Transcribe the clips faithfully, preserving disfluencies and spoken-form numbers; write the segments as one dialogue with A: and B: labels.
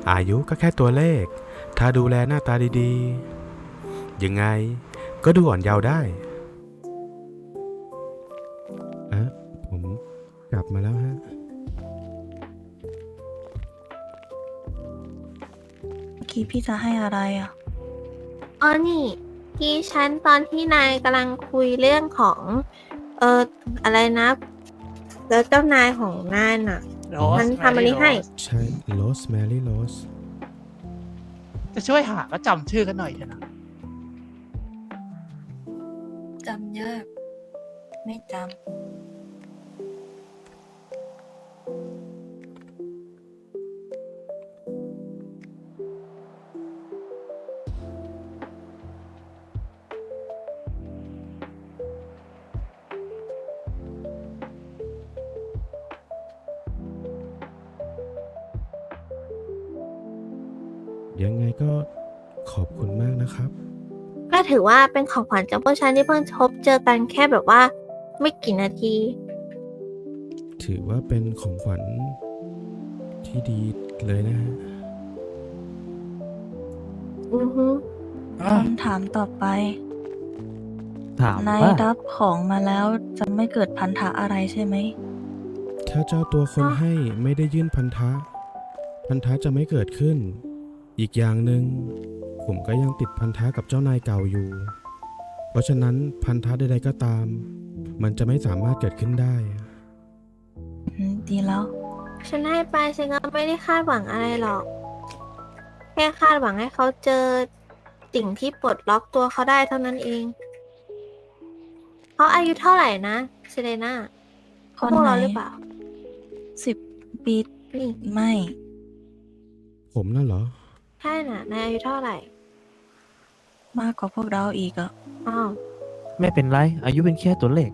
A: อายุก็แค่ตัวเลขถ้าดูแลหน้าตาดีๆยังไงก็ดูอ่อนเยาว์ได้อะผมกลับมาแล้วฮะ
B: เมื่อกี้พี่จะให้อะไรอ่ะ
C: อ๋อนี่ที่ฉันตอนที่นายกำลังคุยเรื่องของ เอออะไรนะ แล้วเจ้านายของนายน่ะ
D: โร
C: มัน
D: ส
C: ทำอะไรให้
A: ใช่โรสแมรี่โรส
D: จะช่วยหาก็จำชื่อกันหน่อยเถอะนะ
B: จำยาก ไม่จำ
A: ยังไงก็ขอบคุณมากนะครับ
C: ก็ถือว่าเป็นของขวัญจากพวกฉันที่เพิ่งพบเจอกันแค่แบบว่า ไม่กี่นาที
A: ถือว่าเป็นของขวัญที่ดีเลยนะฮะ
C: อือฮึ
B: คำถามต่อไป
E: ถาม
B: นาย
E: ว่า
B: รับของมาแล้วจะไม่เกิดพันธะอะไรใช่ไหม
A: ถ้าเจ้าตัวคนให้ไม่ได้ยื่นพันธะ พันธะจะไม่เกิดขึ้น อีกอย่างหนึ่งผมก็ยังติดพันธะกับเจ้านายเก่าอยู่ เพราะฉะนั้นพันธะใดๆก็ตาม มันจะไม่สามารถเกิดขึ้นได้
B: อืม ดีแล้ว
C: ฉันให้ไปฉันก็ไม่ได้คาดหวังอะไรหรอก แค่คาดหวังให้เขาเจอสิ่งที่ปลดล็อกตัวเขาได้เท่านั้นเอง เขาอายุเท่าไหร่นะเซเลน่า
B: คน
C: พวก
B: ไหน
C: เราหรือเปล่า
B: สิบปี
C: นี่
B: ไม่
A: ผมน่ะเหรอ
C: ใช่น่ะนายอายุเท่าไหร่
B: มากกว่าพวกเราอีกอ่ะ
C: อ้าว
E: ไม่เป็นไร อายุเป็นแค่ตัวเลข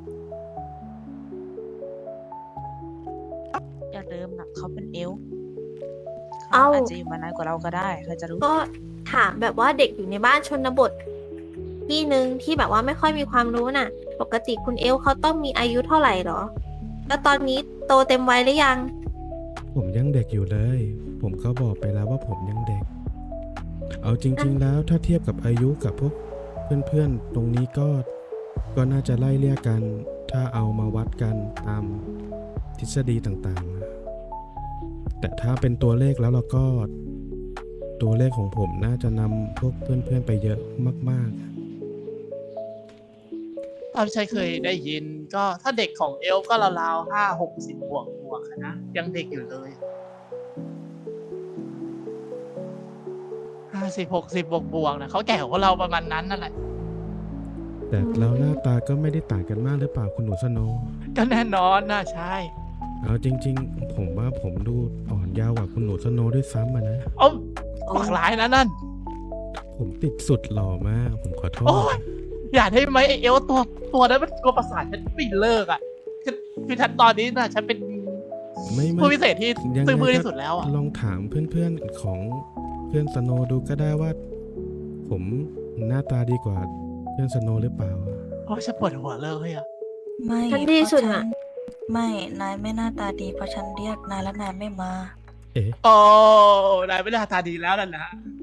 F: อย่าลืมนะเขาเป็นเอลฟ์
C: เอ้า
F: เขาอาจจะอยู่มานานกว่าเราก็ได้ใครจะรู้
C: ก็ถามแบบว่าเด็กอยู่ในบ้านชนบทที่หนึ่งที่แบบว่าไม่ค่อยมีความรู้น่ะ ปกติคุณเอลเขาต้องมีอายุเท่าไหร่หรอ แล้วตอนนี้โตเต็มวัยหรือยัง
A: ผมยังเด็กอยู่เลย ผมก็บอกไปแล้วว่าผมยังเด็ก เอาจริงๆแล้วถ้าเทียบกับอายุกับพวกเพื่อนๆ ตรงนี้ก็ ก็น่าจะไล่เลี่ยกัน ถ้าเอามาวัดกันตามทฤษฎีต่างๆ แต่ถ้าเป็นตัวเลขแล้วเราก็ ตัวเลขของผมน่าจะนำพวกเพื่อนๆไปเยอะมากๆ
D: ตามที่ฉันเคยได้ยินก็ถ้าเด็กของเอลฟ์ก็ราวๆห้าหกสิบบวกบวกๆอะนะ ยังเด็กอยู่เลยห้าสิบหกสิบบวกบวกๆนะเขาแก่กว่าเราประมาณนั้นนั่นแหละ
A: แต่เราหน้าตาก็ไม่ได้ต่างกันมากหรือเปล่าคุณหนูสโนว์
D: ก็แน่นอนนะใช่
A: เอาจริงๆ ผมว่าผมดูอ่อนเยาว์กว่าคุณหนูสโนว์ด้วยซ้ำอะนะ
D: โอ้ปากร้ายนะนั่น
A: ผมติดสุดหล่อมาก ผมขอโท
D: โอ้
A: ษ
D: ย อย่าได้ไหมไอเอลฟ์ตัวตัวนั้นมันตัวประสาทฉันไม่เลิกอ่ะคือคือฉันตอนนี้นะฉันเป็น
A: ไม่ไม่
D: ผู้พิเศษที่
A: ยังไง
D: ซื่อมือ
A: ก็
D: ที่สุดแล้วอ่ะ
A: ลองถามเพื่อนๆของเพื่อนสโนว์ดูก็ได้ว่า ผมหน้าตาดีกว่าเพื่อนสโนว์หรือเปล่า
D: โอ้ยฉันปวดหัวเลยอ่ะ
B: ไม่
C: ฉันดีสุด
B: เพราะ
C: อะ
B: ฉันไม่ นายไม่หน้าตาดี เพราะฉันเรียกนายแล้วนายไม่มา
A: เอ๊ะ
D: โอ้นายไม่ได้ตาดีแล้วนั่นนะ